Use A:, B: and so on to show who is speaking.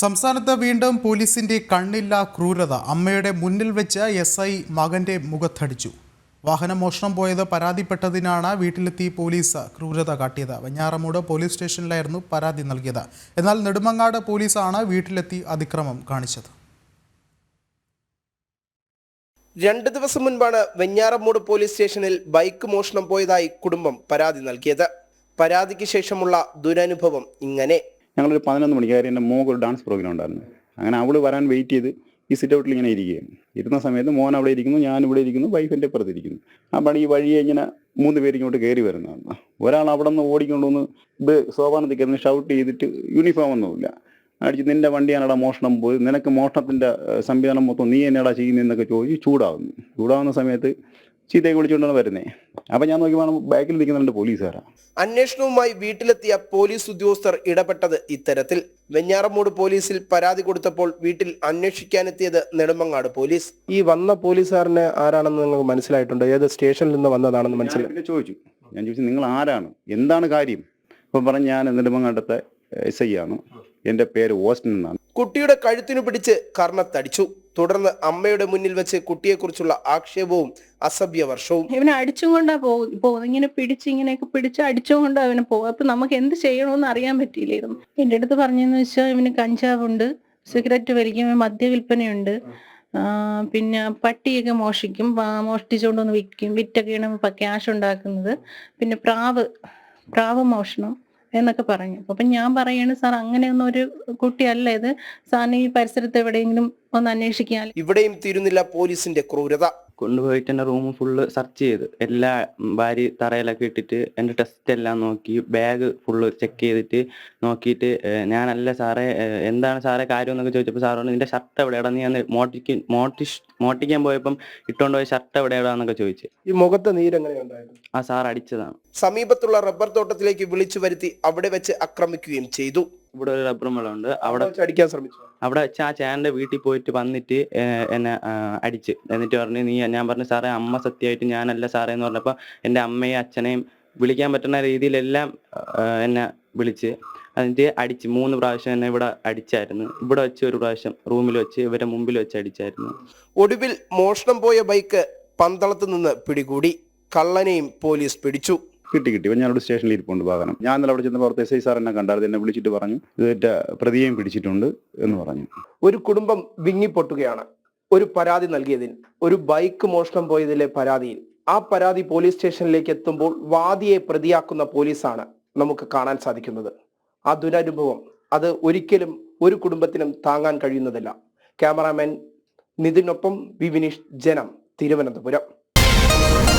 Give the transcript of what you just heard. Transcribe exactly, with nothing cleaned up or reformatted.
A: സംസ്ഥാനത്ത് വീണ്ടും പോലീസിന്റെ കണ്ണില്ല ക്രൂരത. അമ്മയുടെ മുന്നിൽ വെച്ച് എസ് ഐ മകന്റെ മുഖത്തടിച്ചു. വാഹനം മോഷണം പോയത് പരാതിപ്പെട്ടതിനാണ് വീട്ടിലെത്തി പോലീസ് ക്രൂരത കാട്ടിയത്. വെഞ്ഞാറമൂട് പോലീസ് സ്റ്റേഷനിലായിരുന്നു പരാതി നൽകിയത്. എന്നാൽ നെടുമങ്ങാട് പോലീസാണ് വീട്ടിലെത്തി അതിക്രമം കാണിച്ചത്.
B: രണ്ട് ദിവസം മുൻപാണ് വെഞ്ഞാറമൂട് പോലീസ് സ്റ്റേഷനിൽ ബൈക്ക് മോഷണം പോയതായി കുടുംബം പരാതി നൽകിയത്. പരാതിക്ക് ശേഷമുള്ള ദുരനുഭവം ഇങ്ങനെ.
C: ഞങ്ങളൊരു പതിനൊന്ന് മണിക്കാരി എൻ്റെ മോക്ക് ഒരു ഡാൻസ് പ്രോഗ്രാം ഉണ്ടായിരുന്നു. അങ്ങനെ അവൾ വരാൻ വെയിറ്റ് ചെയ്ത് ഈ സിറ്റ് ഔട്ടിൽ ഇങ്ങനെ ഇരിക്കുകയാണ്. ഇരുന്ന സമയത്ത് മോൻ അവിടെ ഇരിക്കുന്നു, ഞാൻ ഇവിടെ ഇരിക്കുന്നു, വൈഫിൻ്റെ പുറത്തിരിക്കുന്നു. അപ്പോൾ ഈ വഴിയെ ഇങ്ങനെ മൂന്ന് പേര് ഇങ്ങോട്ട് കയറി വരുന്നതാണ്. ഒരാൾ അവിടെ നിന്ന് ഓടിക്കൊണ്ടുവന്ന് ഇത് സോപാനത്തിൽ കയറി ഷൗട്ട് ചെയ്തിട്ട് യൂണിഫോം ഒന്നുമില്ല അടിച്ച് നിൻ്റെ വണ്ടിയാണടാ മോഷണം പോയി, നിനക്ക് മോഷണത്തിൻ്റെ സംവിധാനം മൊത്തം നീ എന്നടാ ചെയ്യുന്നതെന്നൊക്കെ ചോദിച്ച് ചൂടാവുന്നു. ചൂടാവുന്ന സമയത്ത് ചീത്തയൊക്കെ വിളിച്ചുകൊണ്ടാണ് വരുന്നത്. അപ്പം ഞാൻ നോക്കിയപ്പോൾ ബാക്കിൽ നിൽക്കുന്നുണ്ട് പോലീസുകാരാണ്.
B: അന്വേഷണവുമായി വീട്ടിലെത്തിയ പോലീസ് ഉദ്യോഗസ്ഥർ ഇടപെട്ടത് ഇത്തരത്തിൽ. വെഞ്ഞാറമൂട് പോലീസിൽ പരാതി കൊടുത്തപ്പോൾ വീട്ടിൽ അന്വേഷിക്കാനെത്തിയത് നെടുമങ്ങാട് പോലീസ്. ഈ വന്ന പോലീസുകാരനെ ആരാണെന്ന് നിങ്ങൾക്ക് മനസ്സിലായിട്ടുണ്ട്? ഏത് സ്റ്റേഷനിൽ നിന്ന് വന്നതാണെന്ന് മനസ്സിലായി
C: ചോദിച്ചു. ഞാൻ ചോദിച്ചു നിങ്ങൾ ആരാണ്, എന്താണ് കാര്യം? അപ്പം പറഞ്ഞ് ഞാൻ നെടുമങ്ങാടത്തെ എസ് ഐ ആണ്, എൻ്റെ പേര് ഓസ്റ്റിൻ എന്നാണ്.
B: കുട്ടിയുടെ കഴുത്തിനു പിടിച്ച് കർണത്തടിച്ചു. തുടർന്ന് അമ്മയുടെ മുന്നിൽ വെച്ച് കുട്ടിയെക്കുറിച്ചുള്ള ആക്ഷേപവും അസഭ്യവർഷവും.
D: ഇവനെ അടിച്ചുകൊണ്ടാ പോകുന്നത്. ഇങ്ങനെ പിടിച്ച് ഇങ്ങനെയൊക്കെ പിടിച്ച് അടിച്ചുകൊണ്ട് അവനെ പോകും. അപ്പൊ നമുക്ക് എന്ത് ചെയ്യണമെന്ന് അറിയാൻ പറ്റിയില്ലായിരുന്നു. എൻ്റെ അടുത്ത് പറഞ്ഞെന്ന് വെച്ചാൽ ഇവന് കഞ്ചാവുണ്ട്, സിഗരറ്റ് വലിക്കും, മദ്യവില്പനയുണ്ട്, പിന്നെ പട്ടിയൊക്കെ മോഷിക്കും, മോഷ്ടിച്ചുകൊണ്ടൊന്ന് വിൽക്കും, വിറ്റൊക്കെയാണ് ക്യാഷ് ഉണ്ടാക്കുന്നത്, പിന്നെ പ്രാവ് പ്രാവ് മോഷണം എന്നൊക്കെ പറഞ്ഞു. അപ്പം ഞാൻ പറയാണ്, സാർ അങ്ങനെയൊന്നും ഒരു കുട്ടിയല്ല ഇത്, സാറിന് ഈ പരിസരത്ത് എവിടെയെങ്കിലും ഒന്ന് അന്വേഷിക്കാൻ.
B: ഇവിടെയും തീരുന്നില്ല പോലീസിന്റെ ക്രൂരത.
E: കൊണ്ടുപോയിട്ട് എൻ്റെ റൂം ഫുള്ള് സെർച്ച് ചെയ്ത് എല്ലാ ഭാര്യ തറയിലൊക്കെ ഇട്ടിട്ട് എൻ്റെ ടെസ്റ്റ് എല്ലാം നോക്കി, ബാഗ് ഫുള്ള് ചെക്ക് ചെയ്തിട്ട് നോക്കിയിട്ട് ഞാനല്ല സാറേ എന്താണ് സാറേ കാര്യം എന്നൊക്കെ ചോദിച്ചപ്പോൾ സാറോട് നിന്റെ ഷർട്ട് എവിടെയാടാ, നീ അന്ന് മോട്ടിക്ക് മോട്ടിഷ് മോട്ടിക്കാൻ പോയപ്പം ഇട്ടുകൊണ്ട് പോയ ഷർട്ട് എവിടെയാടാന്നൊക്കെ ചോദിച്ചു.
B: ഈ മുഖത്ത് നീരെങ്ങനെയുണ്ടായിരുന്നു?
E: ആ സാർ അടിച്ചതാണ്.
B: സമീപത്തുള്ള റബ്ബർ തോട്ടത്തിലേക്ക് വിളിച്ചു വരുത്തി അവിടെ വെച്ച് ആക്രമിക്കുകയും ചെയ്തു.
E: ഇവിടെ ഒരു റബ്ബർ മരമുണ്ട്, അവിടെ
B: അടിക്കാൻ ശ്രമിച്ചു.
E: അവിടെ വെച്ച് ആ ചേട്ടൻ്റെ വീട്ടിൽ പോയിട്ട് വന്നിട്ട് എന്നെ അടിച്ച്. എന്നിട്ട് പറഞ്ഞു നീ, ഞാൻ പറഞ്ഞു സാറേ അമ്മ സത്യമായിട്ട് ഞാനല്ല സാറേ എന്ന് പറഞ്ഞപ്പോൾ എൻ്റെ അമ്മയും അച്ഛനെയും വിളിക്കാൻ പറ്റുന്ന രീതിയിലെല്ലാം എന്നെ വിളിച്ച് എന്നിട്ട് അടിച്ച്. മൂന്ന് പ്രാവശ്യം എന്നെ ഇവിടെ അടിച്ചായിരുന്നു. ഇവിടെ വെച്ച് ഒരു പ്രാവശ്യം റൂമിൽ വെച്ച് ഇവരെ മുമ്പിൽ വെച്ച് അടിച്ചായിരുന്നു.
B: ഒടുവിൽ മോഷണം പോയ ബൈക്ക് പന്തളത്ത് നിന്ന് പിടികൂടി. കള്ളനെയും പോലീസ് പിടിച്ചു.
C: കിട്ടി കിട്ടി വെഞ്ഞാറോട് സ്റ്റേഷനിൽ ഇരിപ്പുണ്ട് വാഹനം. ഞാൻ ഇന്നലെ അവിടെ ചെന്നപ്പോൾ അവിടുത്തെ എസ് ഐ സാർ എന്നെ കണ്ടായിരുന്നു. എന്നെ വിളിച്ചിട്ട് പറഞ്ഞു ഇതിന്റെ പ്രതിയെയും പിടിച്ചിട്ടുണ്ട് എന്ന് പറഞ്ഞു.
B: ഒരു കുടുംബം വിങ്ങിപ്പൊട്ടുകയാണ് ഒരു പരാതി നൽകിയതിൽ, ഒരു ബൈക്ക് മോഷണം പോയതിലെ പരാതിയിൽ. ആ പരാതി പോലീസ് സ്റ്റേഷനിലേക്ക് എത്തുമ്പോൾ വാദിയെ പ്രതിയാക്കുന്ന പോലീസാണ് നമുക്ക് കാണാൻ സാധിക്കുന്നത്. ആ ദുരനുഭവം അത് ഒരിക്കലും ഒരു കുടുംബത്തിനും താങ്ങാൻ കഴിയുന്നതല്ല. ക്യാമറാമാൻ നിതിനൊപ്പം വി വിനീഷ്, ജനം, തിരുവനന്തപുരം.